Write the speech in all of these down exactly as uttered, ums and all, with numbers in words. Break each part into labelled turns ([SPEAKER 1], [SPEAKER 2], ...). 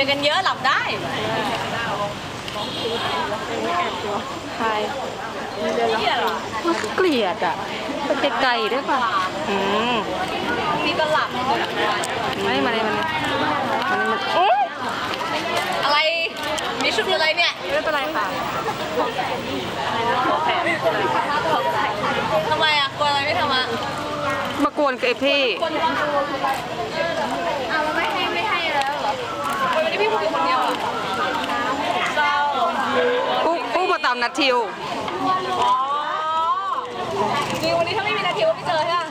[SPEAKER 1] รียนกันเยอะหลับได้
[SPEAKER 2] ใครเกลียดอ่ะไปไกลๆด้วยป่ะอืม
[SPEAKER 1] มีก็หลับ
[SPEAKER 2] ไม่มาเลยมาเลยมาเลยมา
[SPEAKER 1] อะไรมีชุดอะไรเนี่ย
[SPEAKER 2] ไม่เป็นไรค่ะ
[SPEAKER 1] ทำไมอ่ะกลัวอะไรไม่ทำอ่ะ
[SPEAKER 2] มากวนกับไอพี่
[SPEAKER 1] อ้าวไม่ให้ไม่ให้แล้วเหรอวันนี้พี่พูดคนเดียวอ่ะเศร้า
[SPEAKER 2] ผู้ผู้มาตามนัดทิว
[SPEAKER 1] จริงวันนี้ถ้าไม่มีนัดทิวไม่เจอใช่ไหม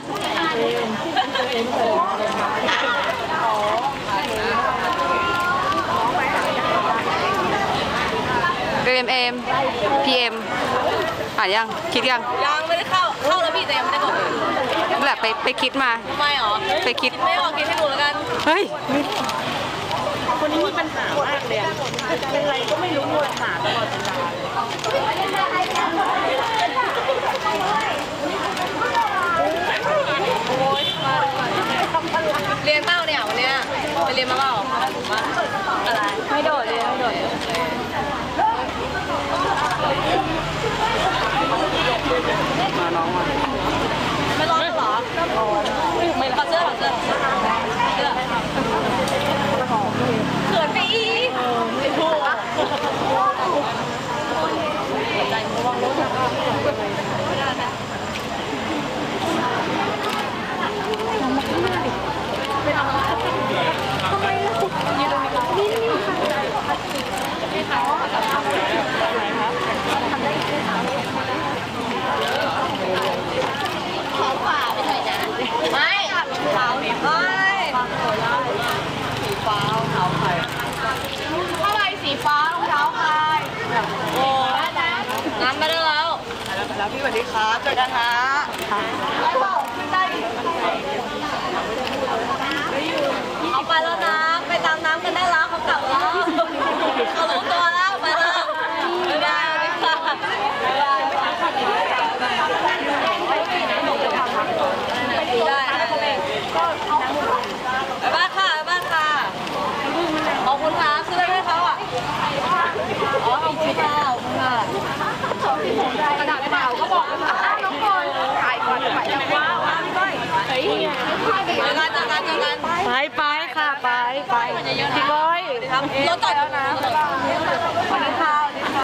[SPEAKER 2] เอ็มเอ็มพีเอ็มอ่านยังคิดยัง
[SPEAKER 1] ยังไม่ได้เข้าเข้าแล้วพี่แต่ยังไม่ได้กด
[SPEAKER 2] แหละไปไปคิดมา
[SPEAKER 1] ทำไมหรอ
[SPEAKER 2] ไปคิด
[SPEAKER 1] ไม่ออกคิดให้ดูแล้วกัน
[SPEAKER 2] เฮ้ย
[SPEAKER 3] คนนี้มีปัญหามากเลยเป็นไรก็ไม่รู้มัวหาตลอดเวลา
[SPEAKER 1] เรียนเป้าเนี่ยวันนี้ไปเรียนมาเปล่าอะไร
[SPEAKER 2] ไม่โดดเลยไม่โดดมาน้องมา
[SPEAKER 1] ไม่ร้อนหรอไม่ขอเสื้อขอเสื้อเสื้อเขินไปอีกไม่ถูกใจระวังรถทำไมล่ะยืนตรงนี้นี่นี่ค่ะนี่ค่ะขอฝ่าไปหน่อยนะไม่ขาวไม่สีฟ้าขาวใครเท่าไรสีฟ้ารองเท้าใครโอ้น้ำมาได้แล้ว
[SPEAKER 3] แล้วพี่สวัสดีครับเจอกันฮะ
[SPEAKER 1] เอาไปแล้วนะไปตามน้ำกันได้แล้วเขากลับแล้วเขารู้ตัวแล้วไปแล้วไม่ได้ไม่ค่ะได้บ้านค่ะบ้านค่ะขอบคุณค่ะซื้อให้เขาอ่ะอ๋อขอบคุณค่ะขอบคุณค่ะกระดาษเปล่าก็บอกเลยค่ะน้องคนถ่ายก่อนถ่ายยังว้าวพี่ก้อยเฮ้ยเจอกันเจอกันเจอกัน
[SPEAKER 2] ไปไปค่ะไปไปพี่ก้อย
[SPEAKER 1] รถจอดแล้วนะ